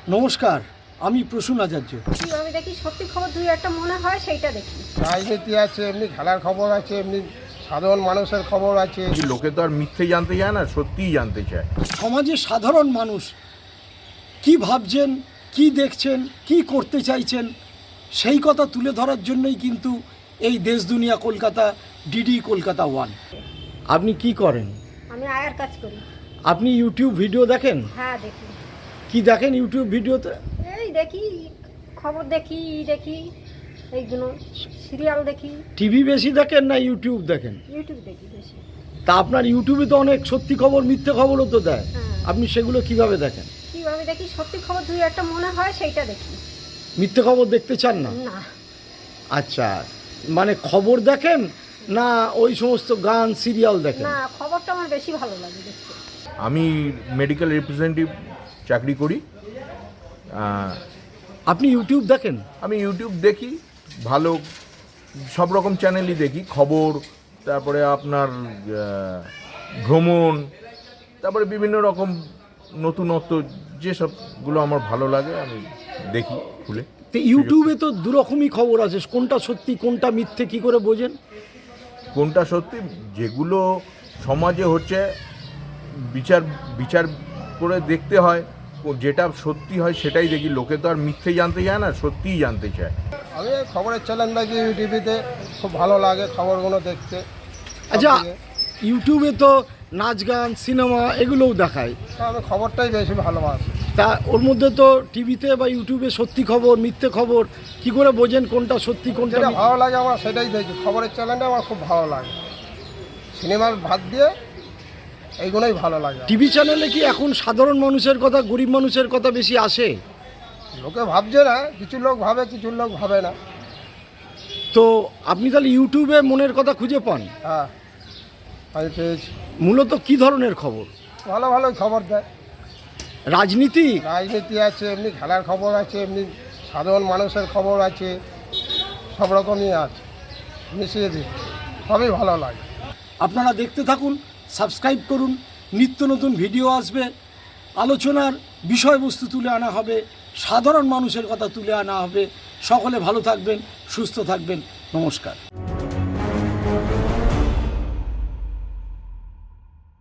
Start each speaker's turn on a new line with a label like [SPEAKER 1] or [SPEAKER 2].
[SPEAKER 1] নমস্কার, আমি প্রসূন আচার্য।
[SPEAKER 2] আমি দেখি সত্যি খবর দুই একটা মনে হয় সেইটা দেখি।
[SPEAKER 3] রাজনীতি আছে, এমনি খেলার খবর আছে, এমনি সাধারণ মানুষের খবর আছে।
[SPEAKER 4] লোকে তো আর মিথ্যে জানতে চায় না, সত্যিই জানতে চায়।
[SPEAKER 1] সমাজের সাধারণ মানুষ কি ভাবছেন, কি দেখছেন, কি করতে চাইছেন, সেই কথা তুলে ধরার জন্যই কিন্তু এই দেশ দুনিয়া কলকাতা, ডিডি কলকাতা 1। আপনি কি করেন?
[SPEAKER 2] আমি আয়ার কাজ করি।
[SPEAKER 1] আপনি ইউটিউব ভিডিও দেখেন?
[SPEAKER 2] হ্যাঁ দেখি।
[SPEAKER 1] কি দেখেন ইউটিউব ভিডিওতে?
[SPEAKER 2] এই দেখি, খবর দেখি, এইগুলো সিরিয়াল দেখি।
[SPEAKER 1] টিভি বেশি দেখেন না ইউটিউব দেখেন?
[SPEAKER 2] ইউটিউব দেখি বেশি।
[SPEAKER 1] তা আপনার ইউটিউবে তো অনেক সত্যি খবর, মিথ্যে খবরও তো দেয়।
[SPEAKER 2] হ্যাঁ।
[SPEAKER 1] আপনি সেগুলো কিভাবে দেখেন?
[SPEAKER 2] কিভাবে দেখি সত্যি খবর দুই একটা মনে হয় সেইটা দেখি।
[SPEAKER 1] মিথ্যে খবর দেখতে চান না?
[SPEAKER 2] না।
[SPEAKER 1] আচ্ছা, মানে খবর দেখেন না ওই সমস্ত গান সিরিয়াল দেখেন?
[SPEAKER 2] না, খবরটা আমার বেশি ভালো লাগে দেখতে।
[SPEAKER 4] আমি মেডিকেল রিপ্রেজেন্টেটিভ চাকরি করি।
[SPEAKER 1] আপনি ইউটিউব দেখেন?
[SPEAKER 4] আমি ইউটিউব দেখি, ভালো সব রকম চ্যানেলই দেখি। খবর, তারপরে আপনার ভ্রমণ, তারপরে বিভিন্ন রকম নতুনত্ব যেসবগুলো আমার ভালো লাগে আমি দেখি খুলে।
[SPEAKER 1] তো ইউটিউবে তো দুরকমই খবর আছে, কোনটা সত্যি কোনটা মিথ্যে কি করে বোঝেন?
[SPEAKER 4] কোনটা সত্যি, যেগুলো সমাজে হচ্ছে বিচার বিচার করে দেখতে হয়, যেটা সত্যি হয় সেটাই দেখি। লোকে তো আর মিথ্যে জানতে চায় না, সত্যিই জানতে চায়।
[SPEAKER 3] আমি খবরের চ্যানেল দেখি ইউটিভিতে, খুব ভালো লাগে খবরগুলো দেখতে।
[SPEAKER 1] আচ্ছা, ইউটিউবে তো নাচ গান সিনেমা এগুলোও দেখায়,
[SPEAKER 3] আমি খবরটাই বেশি ভালোবাসি।
[SPEAKER 1] তা ওর মধ্যে তো টিভিতে বা ইউটিউবে সত্যি খবর মিথ্যে খবর কি করে বোঝেন কোনটা সত্যি কোনটা
[SPEAKER 3] যেটা
[SPEAKER 1] মিথ্যে?
[SPEAKER 3] ভালো লাগে আমার সেটাই দেখি। খবরের চ্যানেলটা আমার খুব ভালো লাগে। সিনেমার ভাত দিয়ে এইগুলোই ভালো লাগে।
[SPEAKER 1] টিভি চ্যানেলে কি এখন সাধারণ মানুষের কথা, গরিব মানুষের কথা বেশি আসে?
[SPEAKER 3] লোকে ভাবছে না, কিছু লোক ভাবে, কিছু লোক ভাবে না।
[SPEAKER 1] তো আপনি তাহলে ইউটিউবে মনের কথা খুঁজে পান?
[SPEAKER 3] হ্যাঁ, আমি পেয়েছি।
[SPEAKER 1] মূলত কি ধরনের খবর?
[SPEAKER 3] ভালো ভালো খবর দেয়।
[SPEAKER 1] রাজনীতি?
[SPEAKER 3] রাজনীতি আছে, এমনি খেলার খবর আছে, এমনি সাধারণ মানুষের খবর আছে, সব রকমই আছে, মিশিয়ে দিচ্ছে, সবই ভালো লাগে।
[SPEAKER 1] আপনারা দেখতে থাকুন, সাবস্ক্রাইব করুন, নিত্য নতুন ভিডিও আসবে, আলোচনার বিষয়বস্তু তুলে আনা হবে, সাধারণ মানুষের কথা তুলে আনা হবে। সকলে ভালো থাকবেন, সুস্থ থাকবেন। নমস্কার।